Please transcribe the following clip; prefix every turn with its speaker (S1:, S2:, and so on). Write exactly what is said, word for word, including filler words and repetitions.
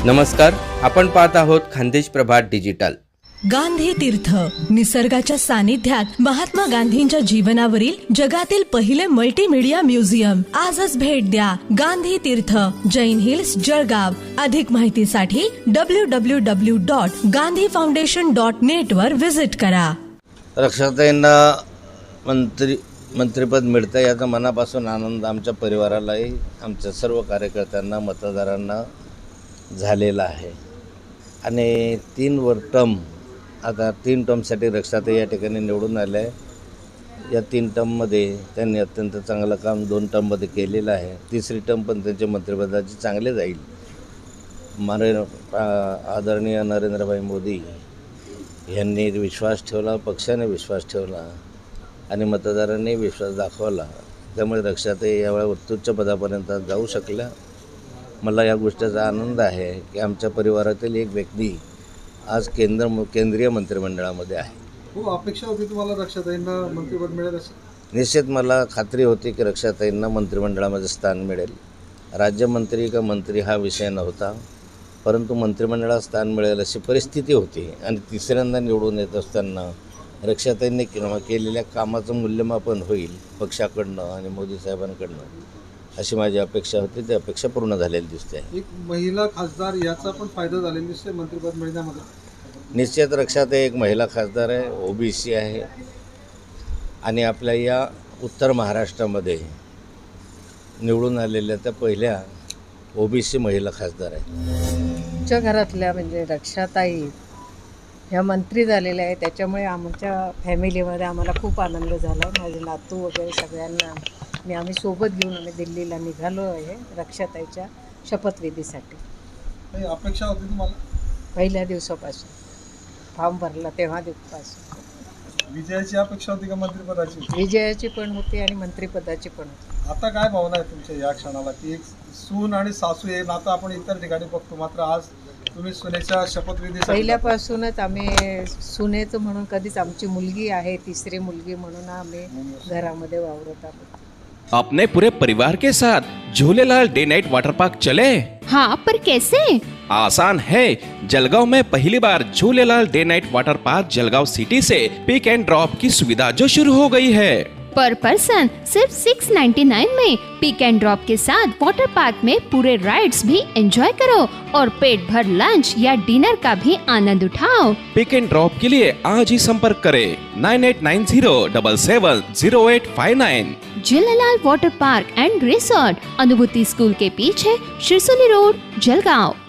S1: नमस्कार, आपण पाहत आहोत खानदेश प्रभात डिजिटल.
S2: गांधी तीर्थ, निसर्गाच्या सानिध्यात महात्मा गांधींच्या जीवनावरील जगातील पहिले मल्टीमीडिया म्युझियम. आजच भेट द्या. गांधी तीर्थ, जैन हिल्स, जळगाव. अधिक माहितीसाठी W W W dot Gandhi foundation dot net वर विजिट करा.
S3: रक्षाताईंना मंत्री मंत्रिपद मिळतं याचा मनापासून आनंद आमच्या परिवारालाही, आमच्या सर्व कार्यकर्त्यांना, मतदारांना झालेला आहे. आणि तीन वर टर्म आता तीन टर्मसाठी रक्षाताई या ठिकाणी निवडून आल्या आहे. या तीन टर्ममध्ये त्यांनी अत्यंत चांगलं काम दोन टर्ममध्ये केलेलं आहे. तिसरी टर्म पण त्यांच्या मंत्रिपदाची चांगले जाईल. मारे आदरणीय नरेंद्रभाई मोदी यांनी विश्वास ठेवला, पक्षाने विश्वास ठेवला आणि मतदारांनी विश्वास दाखवला. त्यामुळे रक्षाताई यावेळी उत्तुच्च पदापर्यंत जाऊ शकल्या. मला या गोष्टीचा आनंद आहे की आमच्या परिवारातील एक व्यक्ती आज केंद्र केंद्रीय मंत्रिमंडळामध्ये आहे.
S4: खूप अपेक्षा होती तुम्हाला रक्षाताईंना मंत्रिपद मिळेल असं?
S3: निश्चित मला खात्री होती की रक्षाताईंना मंत्रिमंडळामध्ये स्थान मिळेल. राज्यमंत्री का मंत्री हा विषय नव्हता, परंतु मंत्रिमंडळात स्थान मिळेल अशी परिस्थिती होती. आणि तिसऱ्यांदा निवडून येत असताना रक्षाताईंनी केलेल्या कामाचं मूल्यमापन होईल पक्षाकडनं आणि मोदी साहेबांकडनं अशी माझी अपेक्षा होती. ती अपेक्षा पूर्ण झालेली दिसते.
S4: एक महिला खासदार याचा पण फायदा झालेला दिसते मंत्रिपद मिळण्यामध्ये.
S3: निश्चित रक्षाताई एक महिला खासदार आहे, ओबीसी आहे आणि आपल्या या उत्तर महाराष्ट्रामध्ये निवडून आलेल्या त्या पहिल्या ओबीसी महिला खासदार आहे.
S5: आमच्या घरातल्या म्हणजे रक्षाताई ह्या मंत्री झालेल्या आहे, त्याच्यामुळे आमच्या फॅमिलीमध्ये आम्हाला खूप आनंद झाला. माझे नातू वगैरे सगळ्यांना मी आम्ही सोबत घेऊन आम्ही दिल्लीला निघालो आहे रक्षाताईच्या शपथविधीसाठी.
S4: काही अपेक्षा होती तुम्हाला?
S5: पहिल्या दिवसापासून फॉर्म भरला तेव्हा दिवसापासून
S4: विजयाची अपेक्षा होती का मंत्रिपदाची?
S5: विजयाची पण होती आणि मंत्रिपदाची पण होती.
S4: आता काय भावना आहे तुमच्या या क्षणाला की एक सून आणि सासू हे नातं आपण इतर ठिकाणी बघतो, मात्र आज तुम्ही सुनेच्या शपथविधी
S5: पहिल्यापासूनच आम्ही सुनेचं म्हणून कधीच आमची मुलगी आहे, तिसरी मुलगी म्हणून आम्ही घरामध्ये वावरत आहोत.
S6: अपने पूरे परिवार के साथ Jhulelal day night water park चले?
S7: हाँ, पर कैसे?
S6: आसान है. जलगांव में पहली बार Jhulelal day night water park Jalgaon city से पिक एंड ड्रॉप की सुविधा जो शुरू हो गई है.
S7: पर पर्सन सिर्फ सिक्स नाइन्टी नाइन में पिक एंड ड्रॉप के साथ वाटर पार्क में पूरे राइड्स भी एंजॉय करो और पेट भर लंच या डिनर का भी आनंद उठाओ.
S6: पिक एंड ड्रॉप के लिए आज ही संपर्क करें nine eight nine zero double seven zero eight five nine.
S7: Jhulelal water park and resort, Anubhuti school के पीछे, शिरसोली रोड, जलगांव.